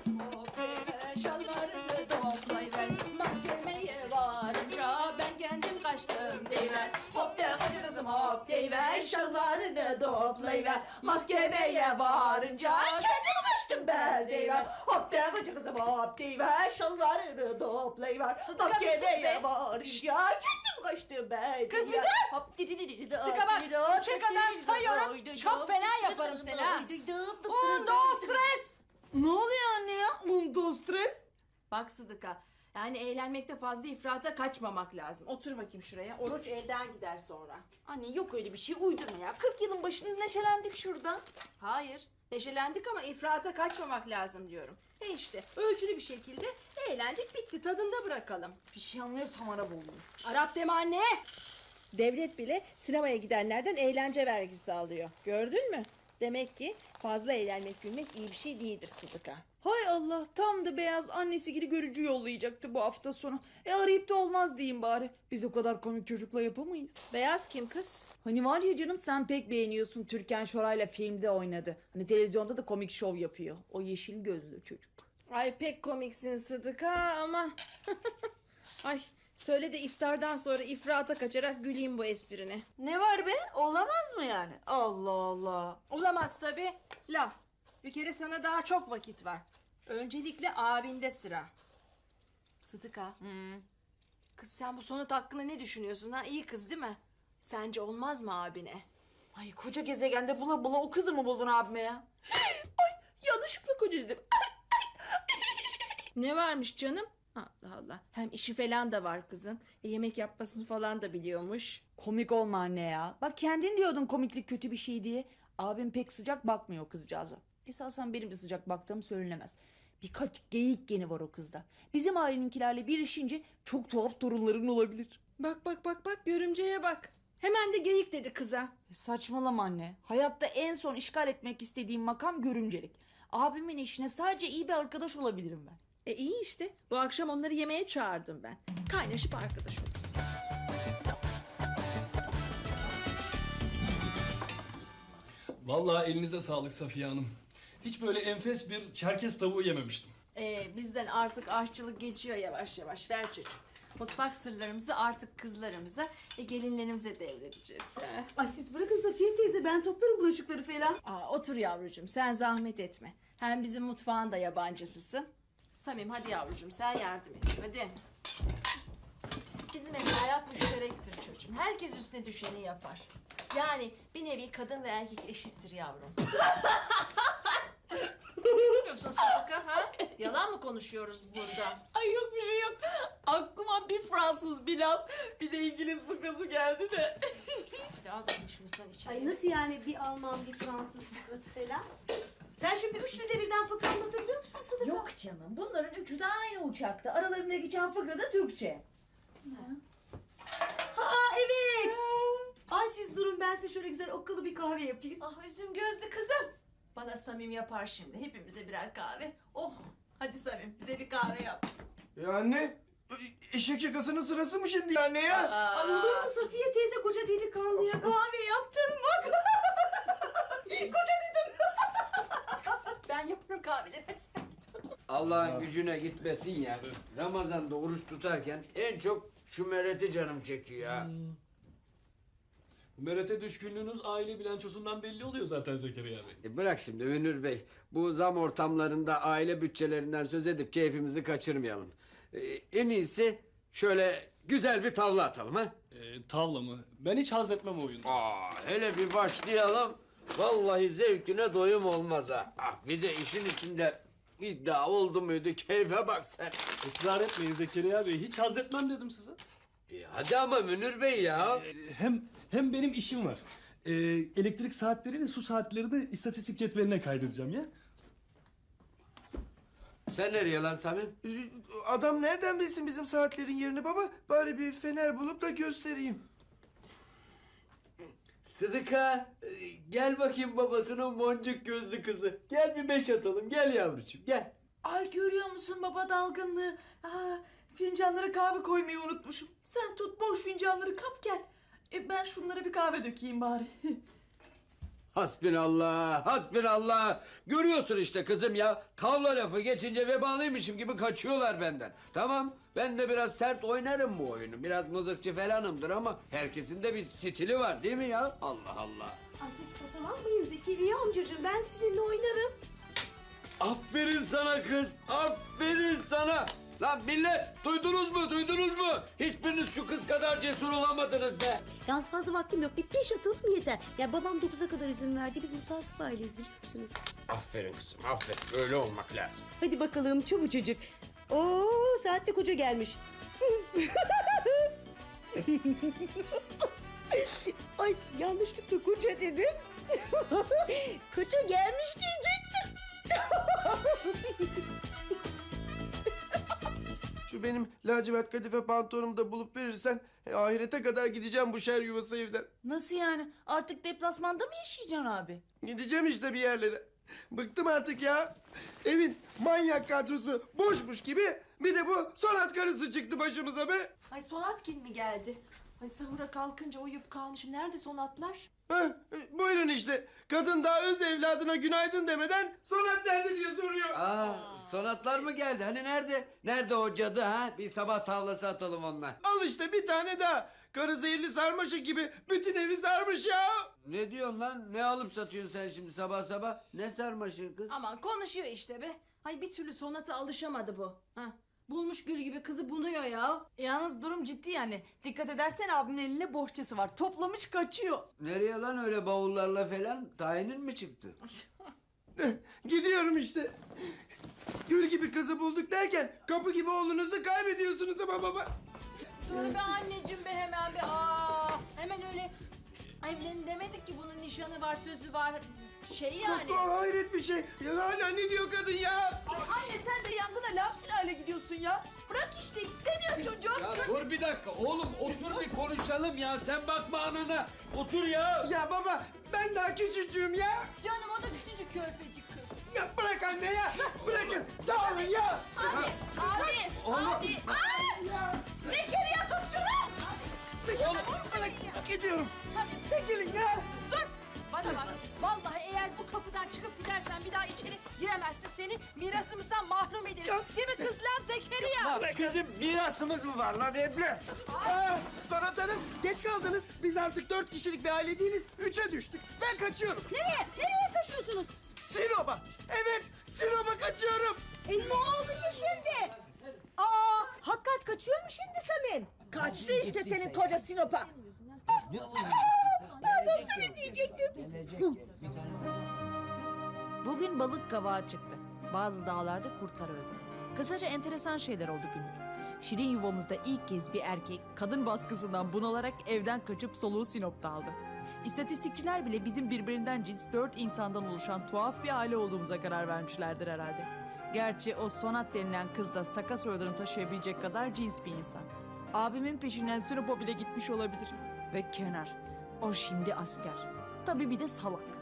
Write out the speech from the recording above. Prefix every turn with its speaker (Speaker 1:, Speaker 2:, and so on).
Speaker 1: Hop deyiver şalvarını toplayıver. Mahkemeye varınca ben kendim kaçtım deyiver. Hop de hadi kızım hop deyiver şalvarını toplayıver. Mahkemeye varınca kendim kaçtım ben deyiver. Hop de hadi kızım hop deyiver şalvarını toplayıver. Mahkemeye varınca kendim kaçtım ben.
Speaker 2: Kız bir
Speaker 1: deyiver.
Speaker 2: dur.
Speaker 1: Hop didi didi didi.
Speaker 2: Sıtıka bak, üçe kadar sayıyorum. Çok fena yaparım seni ha. Undo stres.
Speaker 3: Ne oluyor anne ya? Undo stres.
Speaker 2: Bak Sıdıka, yani eğlenmekte fazla ifrata kaçmamak lazım. Otur bakayım şuraya. Oruç elden gider sonra.
Speaker 3: Anne yok öyle bir şey, uydurma ya. 40 yılın başında neşelendik şurada.
Speaker 2: Hayır, neşelendik ama ifrata kaçmamak lazım diyorum. İşte ölçülü bir şekilde eğlendik, bitti, tadında bırakalım.
Speaker 3: Bir şey anlıyorsam Arap oldum.
Speaker 2: Arap deme anne. Devlet bile sinemaya gidenlerden eğlence vergisi alıyor. Gördün mü? Demek ki fazla eğlenmek gülmek iyi bir şey değildir Sıdıka.
Speaker 3: Hay Allah, tam da Beyaz annesi gibi görücü yollayacaktı bu hafta sonu. Arayıp da olmaz diyeyim bari. Biz o kadar komik çocukla yapamayız.
Speaker 2: Beyaz kim kız?
Speaker 3: Hani var ya canım, sen pek beğeniyorsun, Türkan Şoray'la filmde oynadı. Hani televizyonda da komik şov yapıyor. O yeşil gözlü çocuk.
Speaker 2: Ay pek komiksin Sıdıka, aman. Ay söyle de iftardan sonra ifrata kaçarak güleyim bu esprine.
Speaker 3: Ne var be? Olamaz mı yani? Allah Allah.
Speaker 2: Olamaz tabii. Laf. Bir kere sana daha çok vakit var. Öncelikle abinde sıra. Sıdıka. Kız sen bu sonat hakkında ne düşünüyorsun ha? İyi kız değil mi? Sence olmaz mı abine?
Speaker 3: Ay koca gezegende bula bula o kızı mı buldun abime ya? Ay yanlışlıkla koca dedim.
Speaker 2: Ne varmış canım? Allah Allah. Hem işi falan da var kızın. Yemek yapmasını falan da biliyormuş.
Speaker 3: Komik olma anne ya. Bak kendin diyordun komiklik kötü bir şey diye. Abim pek sıcak bakmıyor kızcağıza. Esasen benim de sıcak baktığım söylenemez. Birkaç geyik geni var o kızda. Bizim aileninkilerle birleşince çok tuhaf torunların olabilir.
Speaker 2: Bak bak bak bak, görümceye bak. Hemen de geyik dedi kıza.
Speaker 3: Saçmalama anne. Hayatta en son işgal etmek istediğim makam görümcelik. Abimin eşine sadece iyi bir arkadaş olabilirim ben.
Speaker 2: İyi işte. Bu akşam onları yemeğe çağırdım ben. Kaynaşıp arkadaş olursunuz.
Speaker 4: Vallahi elinize sağlık Safiye Hanım. Hiç böyle enfes bir Çerkez tavuğu yememiştim.
Speaker 2: Bizden artık aşçılık geçiyor yavaş yavaş. Ver çocuğum. Mutfak sırlarımızı artık kızlarımıza, gelinlerimize devredeceğiz. Değil mi?
Speaker 5: Ay siz bırakın Safiye teyze, ben toplarım bulaşıkları falan.
Speaker 2: Otur yavrucuğum, sen zahmet etme. Hem bizim mutfağın da yabancısısın. Samim hadi yavrucuğum, sen yardım et. Hadi. Bizim evde hayat müşterektir çocuğum. Herkes üstüne düşeni yapar. Yani bir nevi kadın ve erkek eşittir yavrum. Ne diyorsun Sıdıka ha? Yalan mı konuşuyoruz burada?
Speaker 3: Ay yok bir şey yok. Aklıma bir Fransız biraz bir de İngiliz fıkrası geldi de.
Speaker 2: Hadi al bakayım şunu sen içeri.
Speaker 5: Ay nasıl yani, bir Alman bir Fransız fıkrası falan? Sen şimdi üçlü de birden fıkra anlatabiliyor musun Sıdıka?
Speaker 6: Yok canım, bunların üçü de aynı uçakta. Aralarında geçen fıkra da Türkçe.
Speaker 5: Ha evet. Ay siz durun, ben size şöyle güzel okkalı bir kahve yapayım.
Speaker 2: Ah üzüm gözlü kızım. Bana Samim yapar şimdi. Hepimize birer kahve. Oh hadi Samim bize bir kahve yap.
Speaker 7: Ya anne, eşek şakasının sırası mı şimdi anne ya?
Speaker 5: Ay olur mu Safiye teyze, koca delikanlıya kahve yaptırmak? Koca dedim.
Speaker 2: Ben yaparım kahveleri. Hadi sen git.
Speaker 8: Allah'ın gücüne gitmesin ya. Ramazan'da oruç tutarken en çok şu mereti canım çekiyor ha.
Speaker 4: Merete düşkünlüğünüz aile bilançosundan belli oluyor zaten Zekeriya Bey.
Speaker 8: Bırak şimdi Münir Bey. Bu zam ortamlarında aile bütçelerinden söz edip keyfimizi kaçırmayalım. En iyisi şöyle güzel bir tavla atalım ha.
Speaker 4: Tavla mı? Ben hiç haz etmem o oyunu.
Speaker 8: Hele bir başlayalım. Vallahi zevkine doyum olmaz ha. Bir de işin içinde iddia oldu muydu keyfe bak sen.
Speaker 4: Israr etmeyin Zekeriya Bey. Hiç haz etmem dedim size.
Speaker 8: Hadi ama Münir Bey ya.
Speaker 4: Hem benim işim var. Elektrik saatleri su saatlerini istatistik cetveline kaydedeceğim ya.
Speaker 8: Sen nereye lan Samim?
Speaker 7: Adam nereden bilsin bizim saatlerin yerini baba? Bari bir fener bulup da göstereyim.
Speaker 8: Sıdıka gel bakayım babasının boncuk gözlü kızı. Gel bir beş atalım gel yavrucuğum gel.
Speaker 3: Ay görüyor musun baba dalgınlığı? Fincanlara kahve koymayı unutmuşum. Sen tut boş fincanları kap gel. Ben şunlara bir kahve dökeyim bari.
Speaker 8: Hasbinallah, hasbinallah. Görüyorsun işte kızım ya. Tavla lafı geçince vebalıymışım gibi kaçıyorlar benden. Tamam, ben de biraz sert oynarım bu oyunu. Biraz mızıkçı falanımdır ama herkesin de bir stili var değil mi ya? Allah Allah.
Speaker 5: Ay siz katılanmayın Zekeriya amcacığım. Ben sizinle oynarım.
Speaker 8: Aferin sana kız, aferin sana. Lan millet, duydunuz mu, duydunuz mu? Hiçbiriniz şu kız kadar cesur olamadınız be.
Speaker 5: Yalnız fazla vaktim yok. Bir 5 atalım yeter. Ya babam 9'a kadar izin verdi. Biz mutasip aileyiz biliyor musunuz?
Speaker 8: Aferin kızım, aferin. Öyle olmak lazım.
Speaker 5: Hadi bakalım çabucacık. Oo saatte koca gelmiş. Ay yanlışlıkla koca dedim. Koca gelmiş diyecektim.
Speaker 7: Şu benim lacivert kadife pantolonumu da bulup verirsen ahirete kadar gideceğim bu şer yuvası evden.
Speaker 3: Nasıl yani? Artık deplasmanda mı yaşayacaksın abi?
Speaker 7: Gideceğim işte bir yerlere. Bıktım artık ya. Evin manyak kadrosu boşmuş gibi bir de bu Sonat karısı çıktı başımıza be.
Speaker 2: Ay Sonatkin mi geldi? Ay sahura kalkınca uyuyup kalmışım. Nerede Sonatlar?
Speaker 7: Heh, buyurun işte. Kadın daha öz evladına günaydın demeden Sonat nerede diye soruyor.
Speaker 8: Sonatlar mı geldi? Hani nerede? Nerede o cadı ha? Bir sabah tavlası atalım onunla.
Speaker 7: Al işte bir tane daha. Karı zehirli sarmaşık gibi bütün evi sarmış ya.
Speaker 8: Ne diyorsun lan? Ne alıp satıyorsun sen şimdi sabah sabah? Ne sarmaşığı kız?
Speaker 2: Aman konuşuyor işte be. Ay bir türlü Sonat'a alışamadı bu. Ha. Bulmuş gül gibi kızı bunuyor ya.
Speaker 3: Yalnız durum ciddi yani. Dikkat edersen abimin elinde bohçası var. Toplamış kaçıyor.
Speaker 8: Nereye lan öyle bavullarla falan? Tayinin mi çıktı?
Speaker 7: Gidiyorum işte. Gül gibi kızı bulduk derken kapı gibi oğlunuzu kaybediyorsunuz ama baba.
Speaker 2: Dur be anneciğim be hemen be. Hemen öyle evlenin demedik ki bunun nişanı var, sözü var. Şey yani.
Speaker 7: Hayret bir şey. Ya hala ne diyor kadın ya?
Speaker 3: Anne sen de yangına laf silahıyla gidiyorsun ya. Bırak işte istemiyor çocuk.
Speaker 8: Ya dur bir dakika oğlum otur bir konuşalım ya. Sen bakma anana. Otur ya.
Speaker 7: Ya baba ben daha küçücüğüm ya.
Speaker 2: Canım o da küçücük körpecik kız.
Speaker 7: Ya bırak anne ya. Bırakın. Dağılın ya.
Speaker 2: Abi. Zekeriya tut şunu.
Speaker 7: Gidiyorum.
Speaker 2: Çekilin ya. Dur. Bana bak. Vallahi eğer bu kapıdan çıkıp gidersen bir daha içeri giremezsin. Seni mirasımızdan mahrum ederiz. Değil mi kız lan Zekeriya?
Speaker 8: Kızım mirasımız mı var lan Ebru?
Speaker 7: Sonat Hanım geç kaldınız. Biz artık 4 kişilik bir aile değiliz. 3'e düştük. Ben kaçıyorum.
Speaker 5: Nereye? Nereye kaçıyorsunuz?
Speaker 7: Sinop'a. Evet Sinop'a kaçıyorum.
Speaker 5: Ne oluyor şimdi? Hakikat kaçıyor mu şimdi Samim?
Speaker 6: Kaçtı işte senin koca Sinop'a.
Speaker 5: Pardon Samim diyecektim.
Speaker 3: Bugün balık kavağı çıktı. Bazı dağlarda kurtlar öldü. Kısaca enteresan şeyler oldu günlük. Şirin yuvamızda ilk kez bir erkek kadın baskısından bunalarak evden kaçıp soluğu Sinop'ta aldı. İstatistikçiler bile bizim birbirinden cins 4 insandan oluşan tuhaf bir aile olduğumuza karar vermişlerdir herhalde. Gerçi o Sonat denilen kız da Saka soyadını taşıyabilecek kadar cins bir insan. Abimin peşinden Sinop'a bile gitmiş olabilir. Ve Kenar, o şimdi asker. Tabii bir de salak.